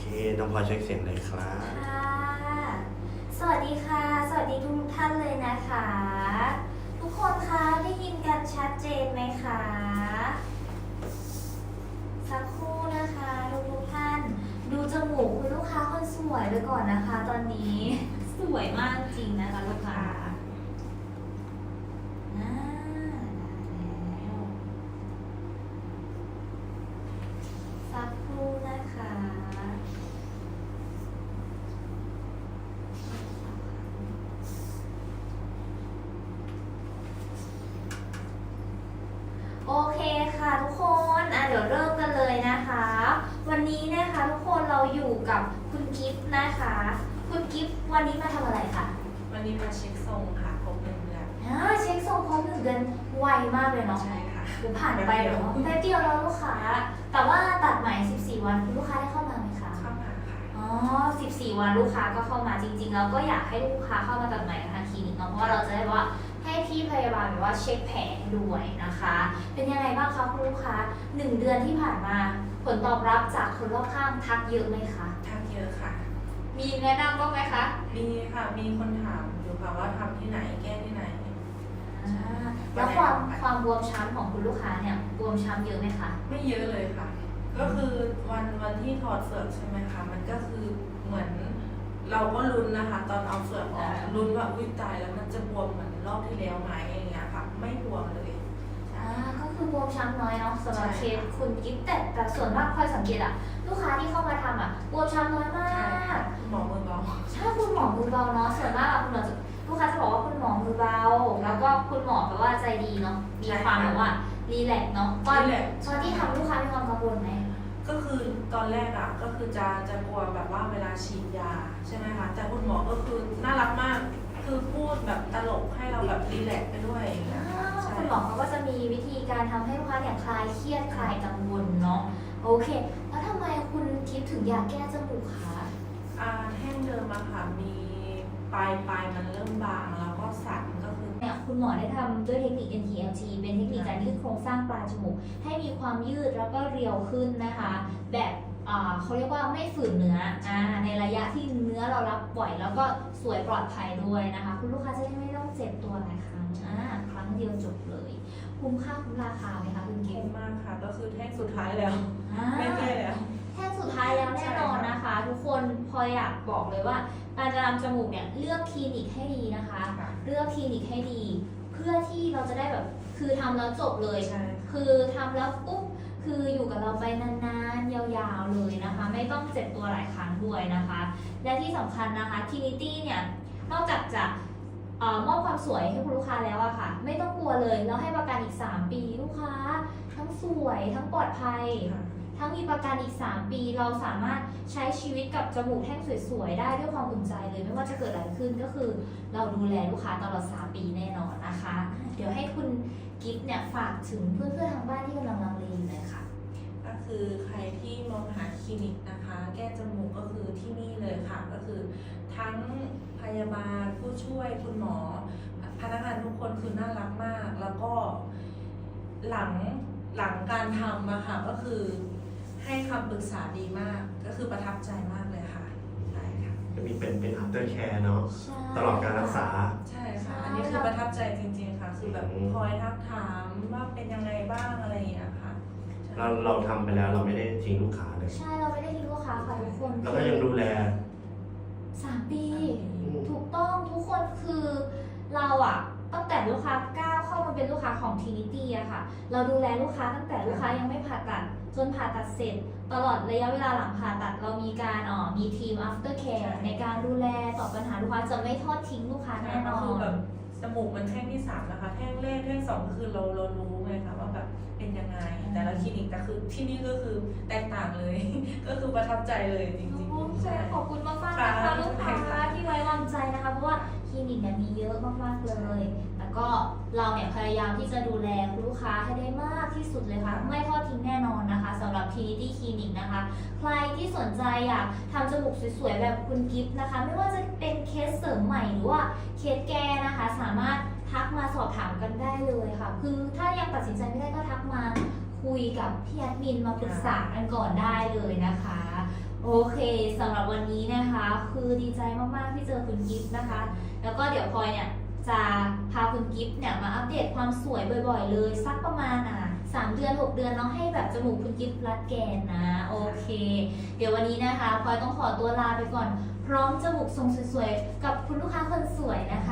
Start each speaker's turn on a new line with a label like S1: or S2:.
S1: น้องพลอยเช็คเสียงเลยครับ
S2: ค่ะสวัสดีค่ะ สวัสดีทุกท่านเลยนะคะ ทุกคนคะได้ยินกันชัดเจนไหมคะ สักครู่นะคะทุกท่าน ดูจมูกคุณลูกค้าคนสวยไปก่อนนะคะ ตอนนี้ สวยมากจริงนะคะลูกค้าได้แล้วสักครู่นะคะ โอเคค่ะทุกคนเดี๋ยวเริ่มกันเลยนะคะ วันนี้นะคะทุกคนเราอยู่กับคุณกิฟต์นะคะ คุณกิฟต์วันนี้มาทำอะไรคะ
S3: วันนี้มาเช็คทรงค่ะครบ1 เดือน
S2: เช็คทรงครบ1 เดือนไวมากเลยเนาะ
S3: ใช่ค่ะ
S2: ผ่านไปเนาะแป๊บเดียวแล้วลูกค้า แต่ว่าตัดใหม่14 วันคุณลูกค้าได้เข้ามาไหมคะ
S3: เข้ามาค่ะ
S2: อ๋อ14 วันลูกค้าก็เข้ามาจริงๆแล้วก็อยากให้ลูกค้าเข้ามาตัดใหม่กับทางคลินิกเนาะเพราะว่าเราจะได้ว่าให้พี่พยาบาลแบบว่าเช็คแผลให้ด้วยนะคะ เป็นยังไงบ้างคะคุณลูกค้า1 เดือนที่ผ่านมาผลตอบรับจากคนรอบข้างทักเยอะไหมคะ
S3: ทักเยอะค่ะ
S2: มีแนะนำบ้างไหมคะ
S3: มีค่ะ มีคนถามอยู่ค่ะว่าทำที่ไหนแก้ที่ไหน
S2: แล้วความบวมช้ำของคุณลูกค้าเนี่ยบวมช้ำเยอะไหมคะ
S3: ไม่เยอะเลยค่ะ ก็คือวันที่ถอดเฟือกใช่ไหมคะ มันก็คือเหมือนเราก็ลุ้นนะคะ ตอนเอาเฟือกออกลุ้นว่าอุ้ยตายแล้วมันจะบวมเหมือนรอบที่แล้วไหมอย่างเงี้ยค่ะ ไม่บวมเลย
S2: ก็คือบวมช้ำน้อยเนาะสำหรับ
S3: ใช่
S2: เคสคุณกิ๊ฟแต่ส่วนมากคอยสังเกตลูกค้าที่เข้ามาทำบวมช้ำน้อยมา
S3: ใช่ค่ะ
S2: ก
S3: หมอมือเบา
S2: ใช่คุณหมอมือเบาเนาะส่วนมากคุณหมอลูกค้าจะบอกว่าคุณหมอมือเบาแล้วก็คุณหมอแบบว่าใจดีเนาะมีความแบบว่ารีแลกซ์เนาะตอนที่ทำลูกค้ามีความกังวลไหม
S3: ก็คือตอนแรกอ่ะก็คือจะกลัวแบบว่าเวลาฉีดยาใช่ไหมคะแต่คุณหมอก็คือน่ารักมาก คือพูดแบบตลกให้เราแบบรีแลกซ์ไปด้วยอย่างเงี้ยค่ะใช่
S2: คุณหมอเขาก็จะมีวิธีการทำให้ลูกค้าเนี่ยคลายเครียดคลายกังวลเนาะโอเค แล้วทำไมคุณทิพย์ถึงอยากแก้จมูกคะ
S3: แท่งเดิมอะค่ะมีปลายมันเริ่มบางแล้วก็สั่นก็คือ
S2: เนี่ยคุณหมอได้ทำด้วยเทคนิค NTLT เป็นเทคนิคการยืดโครงสร้างปลายจมูกให้มีความยืดแล้วก็เรียวขึ้นนะคะ แบบเขาเรียกว่าไม่ฝืนเนื้อในระยะที่เนื้อเรารับบ่อยแล้วก็สวยปลอดภัยด้วยนะคะ คุณลูกค้าจะได้ไม่ต้องเจ็บตัวหลายครั้งครั้งเดียวจบเลยคุ้มค่าคุ้มราคาไหมคะคุณเก๋
S3: คุ้มมากค่ะ ก็คือแท่งสุดท้ายแล้วไม่แก้แล้ว
S2: แท่งสุดท้ายแล้วแน่นอนนะคะ ทุกคนพออยากบอกเลยว่าการจะทำจมูกเนี่ยเลือกคลินิกให้ดีนะคะ
S3: ค่ะ
S2: เลือกคลินิกให้ดี เพื่อที่เราจะได้แบบคือทำแล้วจบเลย
S3: ใช่
S2: คือทำแล้วปุ๊บคืออยู่กับเราไปนานๆยาวๆเลยนะคะ ไม่ต้องเจ็บตัวหลายครั้งด้วยนะคะ และที่สำคัญนะคะ Trinity เนี่ยนอกจากจะมอบความสวยให้คุณลูกค้าแล้วอะค่ะ ไม่ต้องกลัวเลยแล้วให้ประกันอีก 3 ปีลูกค้า ทั้งสวยทั้งปลอดภัย
S3: ค่ะ
S2: ทั้งมีประกันอีก 3 ปีเราสามารถใช้ชีวิตกับจมูกแท่งสวยๆได้ด้วยความอุ่นใจเลยไม่ว่าจะเกิดอะไรขึ้นก็คือ เราดูแลลูกค้าตลอด 3 ปีแน่นอนนะคะ เดี๋ยวให้คุณกิฟต์เนี่ยฝากถึงเพื่อนๆทางบ้านที่กำลังลังเลอยู่เลยค่ะ
S3: ก็คือใครที่มองหาคลินิกนะคะ แก้จมูกก็คือที่นี่เลยค่ะ ก็คือทั้งพยาบาลผู้ช่วยคุณหมอ พนักงานทุกคนคือน่ารักมาก แล้วก็หลังการทำอะค่ะก็คือให้คำปรึกษาดีมาก ก็คือประทับใจมากเลยค่ะใช่ค่ะ
S1: จะมีเป็น after care เนาะตลอดการรักษา
S3: ใช่ค่ะ อันนี้คือประทับใจจริงๆค่ะ คือแบบคอยทักถามว่าเป็นยังไงบ้างอะไรอย่างเงี้ยค่ะใช่
S1: เราทำไปแล้วเราไม่ได้ทิ้งลูกค้าเลย
S2: ใช่เราไม่ได้ทิ้งลูกค้าค่ะทุกคน
S1: แล้วก็ยังดูแล
S2: 3 ปี ถูกต้องทุกคนคือเราตั้งแต่ลูกค้าก้าวเข้ามาเป็นลูกค้าของ Trinity อะค่ะ เราดูแลลูกค้าตั้งแต่ลูกค้ายังไม่ผ่าตัดจนผ่าตัดเสร็จ ตลอดระยะเวลาหลังผ่าตัดเรามีการมีทีม after care ในการดูแลตอบปัญหาลูกค้าจะไม่ทอดทิ้งลูกค้าแน่นอ
S3: คือน แบบจมูกมันแท่งที่3นะคะ แท่งแรกแท่ง2ก็คือเรารู้ไงคะว่าแบบเป็นยังไง แต่ละคลินิกแต่คือที่นี่ก็คือแตกต่างเลย ก็คือประทับใจเลยจริงๆใช่
S2: ขอบคุณมากๆนะคะ
S3: ค่ะ
S2: ลูกค้าที่ไว้วางใจนะคะเพราะว่าคลินิกเนี่ยมีเยอะมากๆเลยแต่ก็เราเนี่ยพยายามที่จะดูแลคุณลูกค้าให้ได้มากที่สุดเลยค่ะไม่ทอดทิ้งแน่นอนนะคะสำหรับ Trinity Clinic นะคะ ใครที่สนใจอยากทำจมูกสวยๆแบบคุณกิฟต์นะคะ ไม่ว่าจะเป็นเคสเสริมใหม่หรือว่าเคสแก้นะคะ สามารถทักมาสอบถามกันได้เลยค่ะ คือถ้ายังตัดสินใจไม่ได้ก็ทักมาคุยกับพี่แอดมินมาปรึกษากันก่อนได้เลยนะคะ โอโอเคสำหรับวันนี้นะคะ คือดีใจมากๆที่เจอคุณกิฟต์นะคะ แล้วก็เดี๋ยวพลอยเนี่ยจะพาคุณกิฟต์เนี่ยมาอัปเดตความสวยบ่อยๆเลยสักประมาณ3 เดือน 6 เดือนเนาะให้แบบจมูกคุณกิฟต์รัดแกนนะโอเค เดี๋ยววันนี้นะคะพลอยต้องขอตัวลาไปก่อน พร้อมจมูกทรงสวยๆกับคุณลูกค้าคนสวยนะคะ